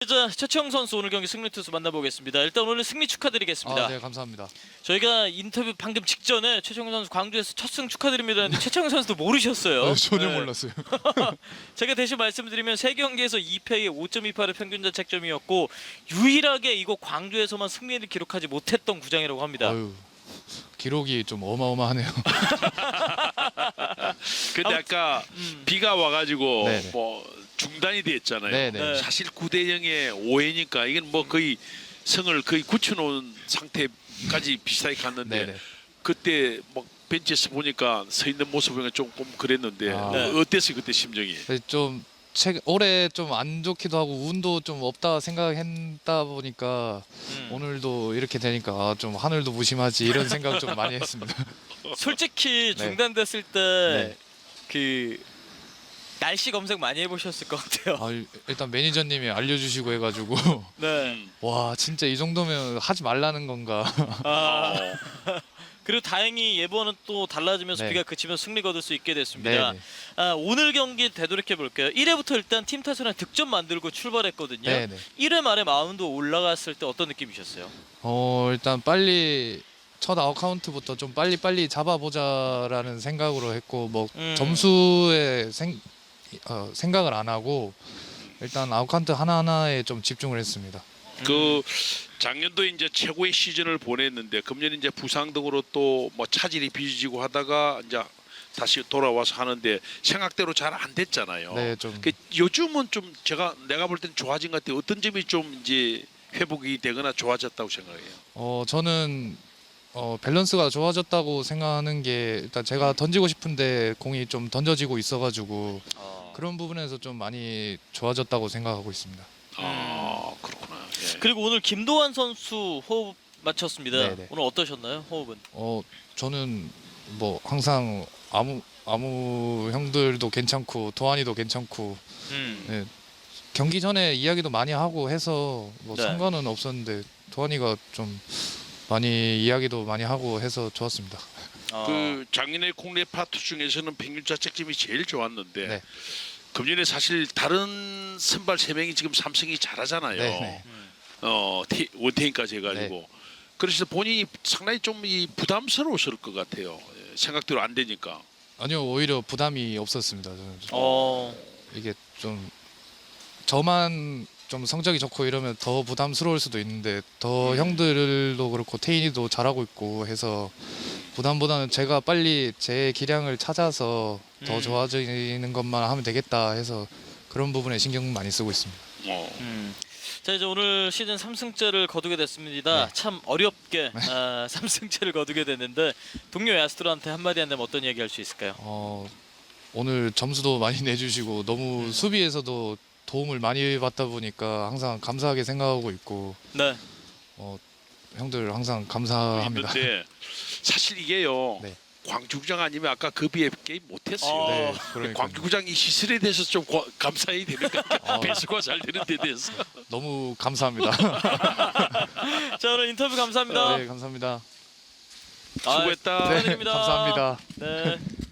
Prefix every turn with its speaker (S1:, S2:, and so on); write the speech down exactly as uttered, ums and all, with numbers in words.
S1: 자, 최채영 선수 오늘 경기 승리 투수 만나보겠습니다. 일단 오늘 승리 축하드리겠습니다.
S2: 아, 네, 감사합니다.
S1: 저희가 인터뷰 방금 직전에 최채영 선수 광주에서 첫 승 축하드립니다 했는데 최채영 선수도 모르셨어요.
S2: 네, 전혀
S1: 네.
S2: 몰랐어요.
S1: 제가 대신 말씀드리면 세 경기에서 이 패에 오 점 이팔의 평균 자책점이었고 유일하게 이곳 광주에서만 승리를 기록하지 못했던 구장이라고 합니다.
S2: 아유, 기록이 좀 어마어마하네요.
S3: 근데 아까
S1: 음.
S3: 비가 와가지고
S2: 네네.
S3: 뭐 중단이 됐잖아요.
S2: 네네.
S1: 네.
S3: 사실 구 대 영의 오 회니까 이건 뭐 거의 성을 거의 굳혀놓은 상태까지 비슷하게 갔는데
S2: 네네.
S3: 그때 막 벤치에서 보니까 서 있는 모습이 조금 그랬는데
S2: 아.
S1: 네.
S3: 어땠어요 그때 심정이?
S2: 네, 좀 최근 올해 좀 안 좋기도 하고 운도 좀 없다 생각했다 보니까
S1: 음.
S2: 오늘도 이렇게 되니까 아, 좀 하늘도 무심하지 이런 생각 좀 많이 했습니다.
S1: 솔직히
S2: 네.
S1: 중단됐을 때
S2: 네.
S1: 그 날씨 검색 많이 해보셨을 것 같아요.
S2: 아, 일단 매니저님이 알려주시고 해가지고
S1: 네.
S3: 음.
S2: 와 진짜 이 정도면 하지 말라는 건가.
S1: 아,
S3: 어.
S1: 그리고 다행히 예보는 또 달라지면서
S2: 네.
S1: 비가 그치면서 승리 거둘 수 있게 됐습니다.
S2: 네네.
S1: 아, 오늘 경기 되돌이켜 볼게요. 일 회부터 일단 팀 탓으로 득점 만들고 출발했거든요.
S2: 네네.
S1: 일 회 말에 마운드 올라갔을 때 어떤 느낌이셨어요?
S2: 어 일단 빨리 첫 아웃 카운트부터 좀 빨리 빨리 잡아보자라는 생각으로 했고 뭐
S1: 음.
S2: 점수에 생, 어, 생각을 안 하고 일단 아웃 카운트 하나 하나에 좀 집중을 했습니다.
S3: 그 작년도 이제 최고의 시즌을 보냈는데 금년 이제 부상 등으로 또 뭐 차질이 빚어지고 하다가 이제 다시 돌아와서 하는데 생각대로 잘 안 됐잖아요.
S2: 네, 좀
S3: 그 요즘은 좀 제가 내가 볼 땐 좋아진 것 같아요. 어떤 점이 좀 이제 회복이 되거나 좋아졌다고 생각해요.
S2: 어 저는 어 밸런스가 좋아졌다고 생각하는 게 일단 제가 던지고 싶은데 공이 좀 던져지고 있어가지고
S1: 어.
S2: 그런 부분에서 좀 많이 좋아졌다고 생각하고 있습니다.
S3: 아 그렇구나. 예.
S1: 그리고 오늘 김도환 선수 호흡 맞췄습니다.
S2: 네네.
S1: 오늘 어떠셨나요? 호흡은?
S2: 어 저는 뭐 항상 아무 아무 형들도 괜찮고 도환이도 괜찮고
S1: 음.
S2: 네, 경기 전에 이야기도 많이 하고 해서 뭐
S1: 네.
S2: 상관은 없었는데 도환이가 좀 많이 이야기도 많이 하고 해서 좋았습니다.
S1: 어.
S3: 그 작년에 국내 파트 중에서는 평균 자책점이 제일 좋았는데
S2: 네.
S3: 금년에 사실 다른 선발 세 명이 지금 삼성이 잘하잖아요.
S2: 네, 네.
S1: 음.
S3: 어 티- 원태인까지 해가지고 그래서 본인이 상당히 좀 이 부담스러웠을 것 같아요. 예, 생각대로 안 되니까.
S2: 아니요 오히려 부담이 없었습니다. 저는 좀
S1: 어.
S2: 이게 좀 저만 좀 성적이 좋고 이러면 더 부담스러울 수도 있는데 더
S3: 음.
S2: 형들도 그렇고 태인이도 잘하고 있고 해서 부담보다는 제가 빨리 제 기량을 찾아서 더
S1: 음.
S2: 좋아지는 것만 하면 되겠다 해서 그런 부분에 신경 많이 쓰고 있습니다.
S3: 어.
S1: 음. 자 이제 오늘 시즌 삼 승째를 거두게 됐습니다.
S2: 네.
S1: 참 어렵게 아, 삼 승째를 거두게 됐는데 동료 야스트로한테 한마디 한다면 어떤 얘기 할 수 있을까요?
S2: 어, 오늘 점수도 많이 내주시고 너무
S1: 음.
S2: 수비에서도 도움을 많이 받다 보니까 항상 감사하게 생각하고 있고
S1: 네.
S2: 어, 형들 항상 감사합니다.
S3: 있는데 사실 이게요.
S2: 네.
S3: 광주구장 아니면 아까 그 비에 게임 못했어요.
S1: 어.
S2: 네, 그러니까
S3: 광주구장 이 시설에 대해서 좀 과- 감사해야 되는 것 같아요.
S2: 어.
S3: 배수가 잘 되는 데 대해서.
S2: 너무 감사합니다.
S1: 자 오늘 인터뷰 감사합니다.
S2: 네, 감사합니다.
S1: 아,
S3: 수고했다.
S1: 축하드립니다.
S2: 감사합니다.
S1: 네.